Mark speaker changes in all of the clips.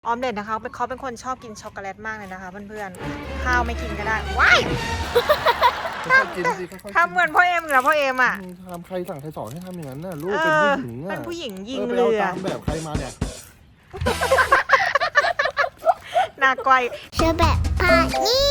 Speaker 1: ออมเล็ตนะคะเขาเป็นคนชอบกินช็อกโกแลตมากเลยนะคะเพื่อนๆข้าวไม่กินก็ได้ว้าย
Speaker 2: ค่อยๆกินสิค่อยๆกิน
Speaker 1: ทำเหมือนพ่อเอ็มเหรอพ่อเอ็มอ่ะ
Speaker 2: ทำใครสั่งใครสอนให้ทำอย่างนั้นน่ะลูกเป็นผู้หญิงอ่ะ
Speaker 1: เป็นผู้หญิงยิง
Speaker 2: ไป
Speaker 1: เรื
Speaker 2: เอา
Speaker 1: อ
Speaker 2: ตามแบบใครมาเนี่ย
Speaker 1: นากวย
Speaker 3: เชอแบบพาเนี่ย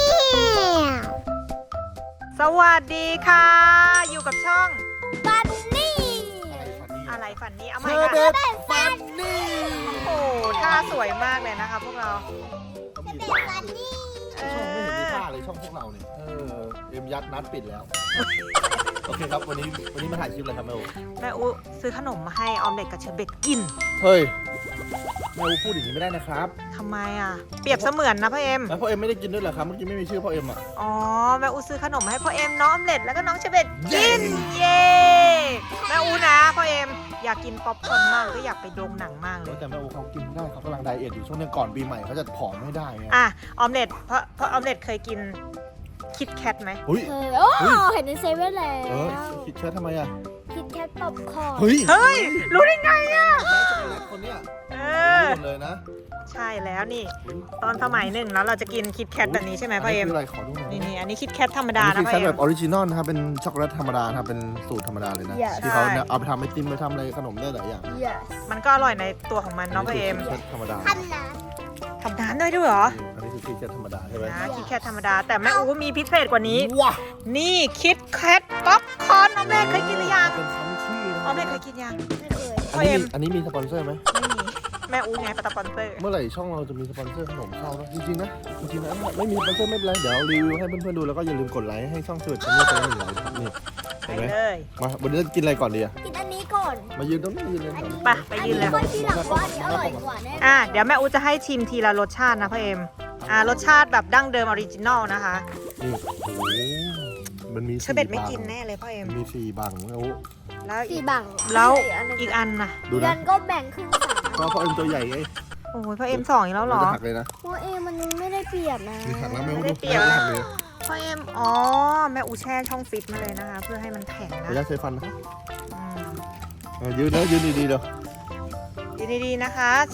Speaker 1: สวัสดีค่ะ อยู่กับช่อง
Speaker 3: ฟันนี่
Speaker 1: อะไรฝันนี้เอาให
Speaker 2: เช
Speaker 1: ม่
Speaker 2: อ
Speaker 1: ค่ะ
Speaker 2: แบบฟันนี่
Speaker 1: โอ้โหท่าสวยมากเลยนะคะพวกเรา
Speaker 2: เขามี
Speaker 3: แบบฟันนี่
Speaker 2: ช่องไม่เห็นมีท่าเลยช่องพวกเราเนี่ยเอ็มยัดนัดปิดแล้ว โอเคครับวันนี้มาถ่ายคลิปอะไรครับแม่อู
Speaker 1: แม่อุซื้อขนมมาให้ออมเล็ตกับเชอร์เบตกิน
Speaker 2: เฮ้ยแม่อูพูดอย่างนี้ไม่ได้นะครับ
Speaker 1: ทำไมอ่ะเปรียบเสมือนนะพ่อเอ็ม
Speaker 2: แล้วพ่อเอ็มไม่ได้กินด้วยเหรอครับเมื่อกี้ไม่มีชื่อพ่อเอ็มอ่ะ
Speaker 1: อ๋อแม่อูซื้อขนมมาให้พ่อเอ็มน้องออมเล็ตแล้วก็น้องเชอร์เบตกินเย้แม่อูนะพ่อเอ็มอยากกินป๊อปคอร์นมากเลยก็อยากไปโรงหนังมากเลย
Speaker 2: แต่แม่อูเขากินไม่ได้เขากำลังไดเอทอยู่ช่วงนี้ก่อนปีใหม่เขาจะผอมไม่ได้ไง
Speaker 1: อ่ะออมเล็ตเพราะออมเล็ตเคยกินคิดแคทไหม
Speaker 2: เฮ้ย
Speaker 3: โอ้เห็นในเซเว่นแล้ว
Speaker 2: คิดแค่ทำไมอ่ะ
Speaker 3: คิดแคทป๊อปคอร์น
Speaker 2: เฮ้ย
Speaker 1: เฮ้ยรู้ได้ไงอ่ะ
Speaker 2: ช็อกโกแลตคนเนี้ย
Speaker 1: เอ
Speaker 2: รู้
Speaker 1: อ
Speaker 2: หมดเลยนะ
Speaker 1: ใช่แล้วนี่ ตอนสมัยหนึ่งแล้วเราจะกินคิดแคทแบบนี้ใช่ไหมพ่อเอ็ม
Speaker 2: นนี้คืออะไรขอดูหน่อย
Speaker 1: นี่อันนี้คิดแคทธรรมดา
Speaker 2: อัน
Speaker 1: นะ
Speaker 2: นี้
Speaker 1: พ่อ
Speaker 2: คือแค่
Speaker 1: เอ็
Speaker 2: แบ
Speaker 1: ม
Speaker 2: บออริจินอลนะครับเป็นช็อกโกแลตธรรมดานะครับเป็นสูตรธรรมดาเลยนะที่เขาเนี่ยเอาไปทำไอติมไปทำอะไรขนมได้หลายอย่าง
Speaker 3: yes
Speaker 1: มันก็อร่อยในตัวของมันเนาะพ่อเอ็ม
Speaker 2: นนี้คือคิดแคทธรรมดา
Speaker 3: พันนะ
Speaker 1: ทำน้ำด้วยเหรอ
Speaker 2: อันนี้คือคิดแคทธรรมดาใช่ไหม
Speaker 1: นะคิดแคทธรรมดาแต่แม่อูมีพิเศษกว่านี้
Speaker 2: ว้า
Speaker 1: นี่คิดแคทป๊อปคอร์นออมเล็ตเคยกินหรือยัง
Speaker 2: เป็นคำชื่อนะ
Speaker 1: ออมเล็ตเคยกินยัง
Speaker 3: ไม่เคย
Speaker 1: พ่อเอ็ม
Speaker 2: อันนี้มีสปอนเซอร์ไหม
Speaker 1: ไม่มีแม่อูไงสปอนเซอร์
Speaker 2: เมื่อไหร่ช่องเราจะมีสปอนเซอร์ขนมเข้านะจริงๆนะจริงๆนะไม่มีสปอนเซอร์ไม่เป็นไรเดี๋ยวรีวิวให้เพื่อนๆดูแล้วก็อย่าลืมกดไลค์ให้ช่องเชิดชั้นนี้คนละ1 ไลค์นี่
Speaker 1: ไป
Speaker 2: เห็นไหม
Speaker 1: เลย
Speaker 2: มาวันนี้จะกินอะไรก่อนดีอะ
Speaker 3: กินอันนี้ก่อน
Speaker 2: มายืนตรงนี้ยืนเลย
Speaker 1: ไปยืนเลย
Speaker 3: ค่อยที่หลังว่าอันนี้อร่อยกว่าแน่
Speaker 1: เดี๋ยวแม่อูจะให้ชิมทีละรสชาตินะพ่อเอ็มรสชาติแบบดั้งเดิมออริจินอลนะคะ
Speaker 2: นี่โอ้โหมันมี
Speaker 1: เชอร์เบตไม่กินแน่เลยพ่อเอ็ม
Speaker 2: มันมี4 บังแล้ว
Speaker 1: แล้ว
Speaker 3: สี่บัง
Speaker 1: แล้วอีกอันนะ
Speaker 2: ดู
Speaker 3: เดือ
Speaker 2: นะ
Speaker 3: นก็แบ่งครึ่งสาม
Speaker 2: ก็เพราะเอ็มตัวใหญ่ไง
Speaker 1: โอ้ยพ่อเอ็มสองอีกแล้วเหรอ
Speaker 2: มันจะหักเลยนะ
Speaker 3: เพราะมันไม่ได้เปรียบนะ
Speaker 2: มีหักแล้วไม่รู้
Speaker 1: ไม่ได้
Speaker 2: ดู
Speaker 1: เปรียบ
Speaker 2: ไม่หักเลย
Speaker 1: พ่อเอ็มแม่อูแช่ช่องฟิตมาเลยนะคะ เพื่อให้มันแข็ง
Speaker 2: ขอ
Speaker 1: นะ
Speaker 2: อนุญาตใช้ฟันนะ
Speaker 1: อืม
Speaker 2: ยืนนะยืนดีๆเดี๋ยว
Speaker 1: ยืนดีๆนะคะ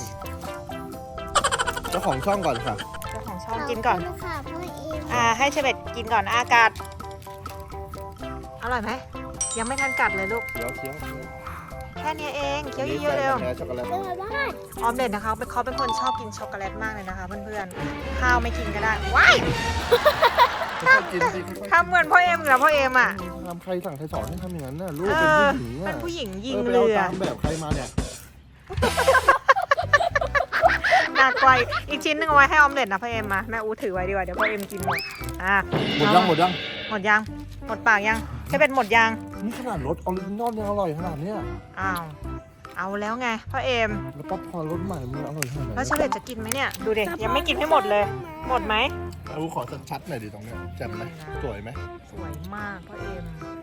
Speaker 2: เจ้าของช่องก่อนค่ะ
Speaker 1: เจ้าของช่องกินก่อน
Speaker 3: ขบคุณค่ะพ่อเอ็ม
Speaker 1: ให้เชอร์เบตกินก่อนอากาศอร่อยไหมยังไม่ทันกัดเลยลูก
Speaker 2: เคี้ยวเคี้ยว
Speaker 1: แค่นี้เองเคี้ยวเยอะๆเร็ว
Speaker 2: แพ้ช็อกโกแลต
Speaker 3: เป็นไงบ้าง
Speaker 1: ออมเล็ตนะคะเขาเป็นคนชอบกินช็อกโกแลตมากเลยนะคะเพื่อนๆข้าวไม่กินก็ได้ว้าย
Speaker 2: ค่อยๆกินสิค่อยๆกิน
Speaker 1: ทำเหมือนพ่อเอ็มเหรอพ่อเอ็มอ่ะ
Speaker 2: ทำใครสั่งใครสอนให้ทำอย่างนั้นน่ะลูก
Speaker 1: เอ
Speaker 2: เป็น
Speaker 1: อ
Speaker 2: ผู้หญิงอ่ะ
Speaker 1: เป็นผู้หญิงยิง
Speaker 2: ไป
Speaker 1: เรื
Speaker 2: เอา
Speaker 1: อ
Speaker 2: ตามแบบใครมาเนี่ย
Speaker 1: หนักกว่าอีกชิ้นหนึงเอาไว้ให้ออมเล็ตนะพ่อเอ็มมาแม่อูถือไว้ดีกว่าเดี๋ยวพ่อเอ็มกินหมด
Speaker 2: หมดยังหมดยัง
Speaker 1: หมดยังหมดปากยังใช่เป็นหมดยัง
Speaker 2: นี่ขนาดรสออริจินอลยังอร่อยขนาดเนี้ย
Speaker 1: อ้าวเอาแล้วไงพ่อเอ็ม
Speaker 2: แล้วป๊อปคอร์นรสใหม่มันอร่อยขนาดไหน
Speaker 1: แล้วเชอร์เบตจะกินไหมเนี่ยดูเด็กยังไม่กินให้หมดเลย หมดไหม
Speaker 2: เอาขอชัดๆหน่อยดิตรงเนี้ยแจ่มไหมสวยไหม
Speaker 1: สวยมากพ่อเอ็ม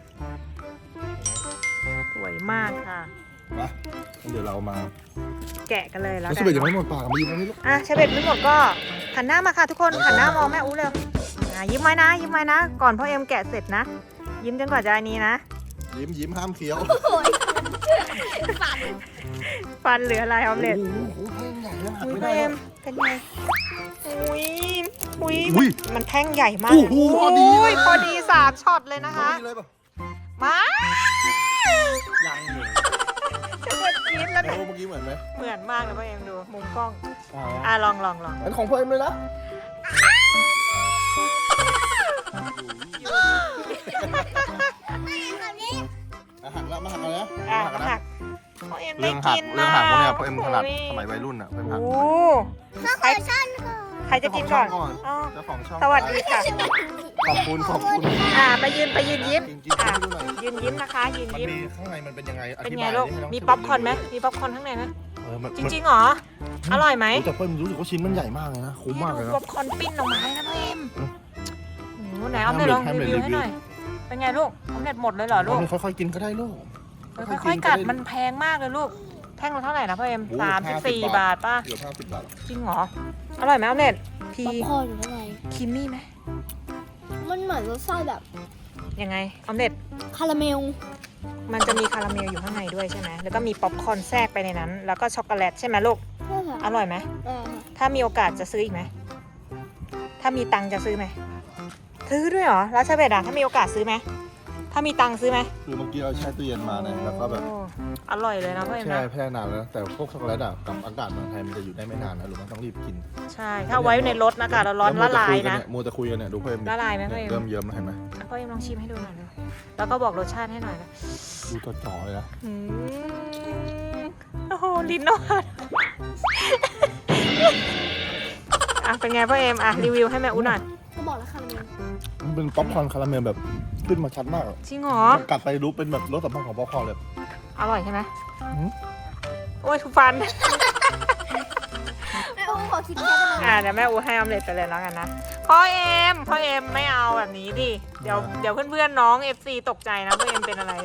Speaker 1: สวยมากค่ะ
Speaker 2: มาเดี๋ยวเรามา
Speaker 1: แกะกันเลยแล้ว
Speaker 2: แล้ว
Speaker 1: กั
Speaker 2: สเปรย์ยังไม่หมดปากมายืนตรงนี้ลูก
Speaker 1: เชอร์เบตไม่หมดก็หันหน้ามาค่ะทุกคนหันหน้ามองแม่อูเร็วยิ้มไว้นะยิ้มไว้นะ ก่อนพ่อเอ็มแกะเสร็จนะ ยิ้มจนกว่าจะอันนี้นะ
Speaker 2: ยิ้มห้ามเคี้ยว
Speaker 1: ฟันเหลืออะไรออมเล็ต
Speaker 2: โอ้โหแท่งใหญ่นะหัก
Speaker 1: อุ้ย
Speaker 2: ไม่
Speaker 1: พ่อ
Speaker 2: ได้
Speaker 1: เอ็ม
Speaker 2: แล้ว
Speaker 1: เป็นไงอุ้ยอุ้ย
Speaker 2: อุ้ย
Speaker 1: มันแท่งใหญ่มาก
Speaker 2: โอ้โหพอดีเลย
Speaker 1: พอดี3ช็อตเลยนะคะ
Speaker 2: นี่เลยป่ะ
Speaker 1: มา
Speaker 2: ยังเลย
Speaker 1: เชอร์เบตกินแล้ว
Speaker 2: แล้วเมื่อกี้เหมือนไหม
Speaker 1: เหมือนมากเลยพ่อเอ็มดูมุมกล้อง
Speaker 2: อ่า
Speaker 1: ลอง
Speaker 2: อันของพ่อเอ็มเลยนะหักแล้วมาหักแล้วนะ
Speaker 1: หักพ่อเอ็ม
Speaker 2: เรื่
Speaker 1: ไม่
Speaker 2: องหัก
Speaker 1: กิน
Speaker 2: เรื่องหักพวกเนี้ยพ่อเอ็มถนัดสมัยวัยรุ่นอ่ะพ่อเอ็มหัก
Speaker 1: โอ้
Speaker 3: ข้าวขอชั่นค่ะ
Speaker 1: ใครจะกินก่อนอ๋อ
Speaker 2: เจ้าของช่อง
Speaker 1: สวัสดีค่ะ
Speaker 2: ขอบคุณ
Speaker 1: ไปยืนยิ้ม
Speaker 2: กินให้ดูหน่อย
Speaker 1: ยืนยิ้มนะคะยืน
Speaker 2: มัน
Speaker 1: ยิ้ม
Speaker 2: มีข้างในมันเป็นยังไงอ
Speaker 1: เป็น
Speaker 2: ธิ
Speaker 1: ไง
Speaker 2: บาย
Speaker 1: ลูก
Speaker 2: ให้น้ง
Speaker 1: มีป๊อปคอร์นไหมมีป๊อปคอร์นข้างในไหม
Speaker 2: มัน
Speaker 1: จริงๆเหรออร่อยไหม
Speaker 2: แต่เพิ่มรู้สึกว่าชิ้นมันใหญ่มากเลยนะคุ้มมากเลย
Speaker 1: ดู
Speaker 2: นะ
Speaker 1: ป๊อปคอร์นปิ้นออกมาเลยนะพ่อเอ็ม
Speaker 2: อืม
Speaker 1: โอ้โหไหนออมเล็ตลอง
Speaker 2: ให้
Speaker 1: รี
Speaker 2: มัน
Speaker 1: วิวให้
Speaker 2: รีวิว
Speaker 1: หน่อยเป็นไงลูกออมเล็ตหมดเลยเหรอลูก
Speaker 2: ค่อยๆกินก็ได้ลูก
Speaker 1: ค่อยๆกัดมันแพงมากเลยลูกแท่งละเท่าไหร่นะพ่อเอ็ม
Speaker 2: โอ้
Speaker 1: 34 บาทป่ะ
Speaker 2: เดี๋ยว50 บาท
Speaker 1: จริงเหรออร่อยไหมออมเล็ตพี
Speaker 3: ป๊อปคอร์นอยู่ข้างใน
Speaker 1: ครีมมี่ไหม
Speaker 3: มันเหมือนรสชาติแบบ
Speaker 1: ยังไงออมเล็ต
Speaker 3: คาราเมล
Speaker 1: มันจะมีคาราเมลอยู่ข้างในด้วยใช่ไหมแล้วก็มีป๊อปคอร์นแทรกไปในนั้น แล้วก็ช็อกโกแลตใช่ไหมลูก
Speaker 3: ใช่ค่ะ
Speaker 1: อร่อยไหมถ้ามีโอกาสจะซื้ออีกไหมถ้ามีตังค์จะซื้อไหมซื้อด้วยเหรอแล้วเชเบตอะถ้ามีโอกาสซื้อไหมถ้ามีตังค์ซื้อไหม
Speaker 2: คือเมื่อกี้เราแช่ตู้เย็นมาเนี่ยแล้วก็แบบ
Speaker 1: โอ้อร่อยเลยนะพ่อเอ็ม
Speaker 2: แช่
Speaker 1: นะ
Speaker 2: แช่นานแล้วนะแต่พวกช็อกโกแลตอะกับอากาศเมืองไทยมันจะอยู่ได้ไม่นานนะหรือมันต้องรีบกิน
Speaker 1: ใช่ถ้าไว้ในรถอากาศร้อนละลายนะ
Speaker 2: มัวแต่คุยกันเนี่ยดูเพิ่ม
Speaker 1: ละลายไหมพ่อเอ็ม
Speaker 2: เริ่มเยิ้มแล้วเห็นไหม
Speaker 1: พ่อเอ็มลองชิมให้ดูหน่อยเลยแล้วก็บอกรสชาติให้หน่อยนะ
Speaker 2: ดูจ่อๆเลยนะ
Speaker 1: อืมโอ้โหลิ้นนอนอ่ะเป็นไงพ่อเอ็มอ่ะรีวิวให้แม่อุ้นหน่อย
Speaker 3: ก็บอกแล้วคาราเมล
Speaker 2: มันเป็นป๊อปคอร์นคาราเมลแบบขึ้นมาชัดมากอะ
Speaker 1: จริงเหรอ
Speaker 2: กัดไปรู้เป็นแบบรสสัมผัสของป๊อปคอร์นเลย
Speaker 1: อร่อยใช่ไหม
Speaker 2: อืม
Speaker 1: โอ้ยทุกฟัน
Speaker 3: แม่อุ้มขอคิดแค่ได้ไหม
Speaker 1: เดี๋ยวแม่อูให้ออมเล็ตไปเลยแล้วกันนะพ่อเอ็มไม่เอาแบบนี้ดิเดี๋ยวเพื่อนๆน้อง FC ตกใจนะพ่อเอ็มเป็นอะไร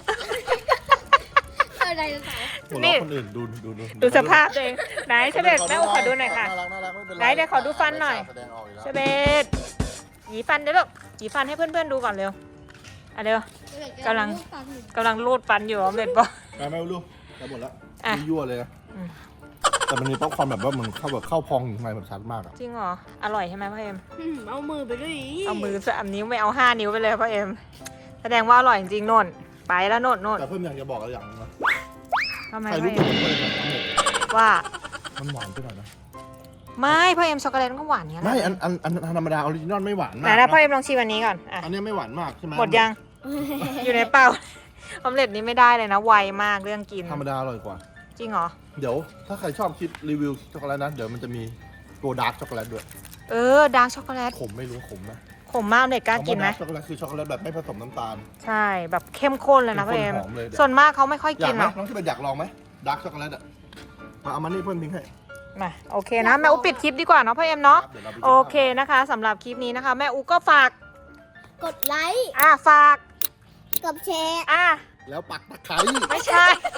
Speaker 3: อะไรนะสาว
Speaker 2: หัว
Speaker 1: นี่
Speaker 2: เราะคนอื่นดู
Speaker 1: ดูสภาพตัวเองไหนเชเบตแม่อูขอดูหน่อยค่ะ
Speaker 2: น่ารักไม่เป็นไร
Speaker 1: ไหนเดี๋ยวขอดูฟันหน่อย
Speaker 2: แสดงออกอยู่แล้ว
Speaker 1: เชเบตหยีฟันเดี๋ยวลูกหยีฟันให้เพื่อนๆดูก่อนเร็วอ่ะเร็ว กำลังรูดฟันอยู่ออมเล็ตบอก
Speaker 2: ไม่รู้แต่หมดแล้ว
Speaker 1: อ่ะ
Speaker 2: ยั่วเลยนะ
Speaker 1: อืม
Speaker 2: แต่มันมีป๊อปคอร์นแบบว่ามันเข้าพองอยู่ข้างในแบบชัดมากอะ
Speaker 1: จริงเหรออร่อยใช่ไหมพ่อเอ็ม
Speaker 3: เอามือไปด้วย
Speaker 1: เอามือ3 นิ้วไม่เอา5 นิ้วไปเลยพ่อเอ็มแสดงว่าอร่อยจริงๆโน่นไปแล้วโน่น
Speaker 2: แต่เพิ่มอยากจะบอกอะไรอย่างนึงนะ
Speaker 1: ทำไม
Speaker 2: ใคร
Speaker 1: พ่อ
Speaker 2: รู้
Speaker 1: เอ็
Speaker 2: ตัว
Speaker 1: ม
Speaker 2: มันเลยนะ
Speaker 1: ว่า
Speaker 2: มันหวานไปหน่อยนะ
Speaker 1: ไม่พ่อเอ็มช็อกโกแลตก็หวานอย่างนี้ยแห
Speaker 2: ไม่
Speaker 1: ละ
Speaker 2: อันธรรมดาออริจินอลไม่หวาน
Speaker 1: ไห
Speaker 2: มาน ก
Speaker 1: นะพ่อ
Speaker 2: นะ
Speaker 1: เอ็มลองชิมอันนี้ก่อนอ่ะ
Speaker 2: อันนี้ไม่หวานมากใช่ไหม
Speaker 1: หมดยัง อยู่ในเป่าออมเล็ตนี้ไม่ได้เลยนะไวมากเรื่องกิน
Speaker 2: ธรรมดาอร่อยกว่า
Speaker 1: จริงเหรอ
Speaker 2: เดี๋ยวถ้าใครชอบคลิปรีวิวช็อกโกแลตนะเดี๋ยวมันจะมีตัวดาร์กช็อกโกแลตด้วย
Speaker 1: ดาร์กช็อกโกแลต
Speaker 2: ขมไม่รู้ขมนะ
Speaker 1: ขมมากออมเล็ตกล้ากินไหม
Speaker 2: คำว่าดาร์กช็อกโกแลตคือช็อกโกแลตแบบไม่ผสมน้ำตาล
Speaker 1: ใช่แบบเข้มข้นเลยนะพ่อเอ็ม
Speaker 2: หอมเลยเดี๋ยว
Speaker 1: ส่วนมากเขาไม่ค่อย
Speaker 2: อยา
Speaker 1: กิ
Speaker 2: ก
Speaker 1: น
Speaker 2: ไหม
Speaker 1: หรอก
Speaker 2: น้องที่เป็นอยากลองไหมดาร์กช็อกโกแลตอ่ะมาเอามานี่เพิ่มทิ้งให้
Speaker 1: มาโอเคนะแม่อูปิดคลิปดีกว่าเนาะพ่อเอ็มเนาะ
Speaker 2: ครับดี๋ยวราไปกิน
Speaker 1: โอเคนะคะสำหรับคลิปนี้นะคะ แม่อูก็ฝาก
Speaker 3: กดไลค์
Speaker 1: ฝาก
Speaker 3: กดแชร์
Speaker 2: แล้วปักตะไคร้
Speaker 1: ไม่ใช่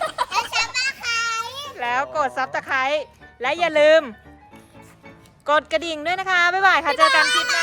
Speaker 1: แล้วกดซับสไครต์และอย่าลืม กดกระดิ่งด้วยนะคะ บ๊ายบายค่ะ เจอกันคลิปหน้า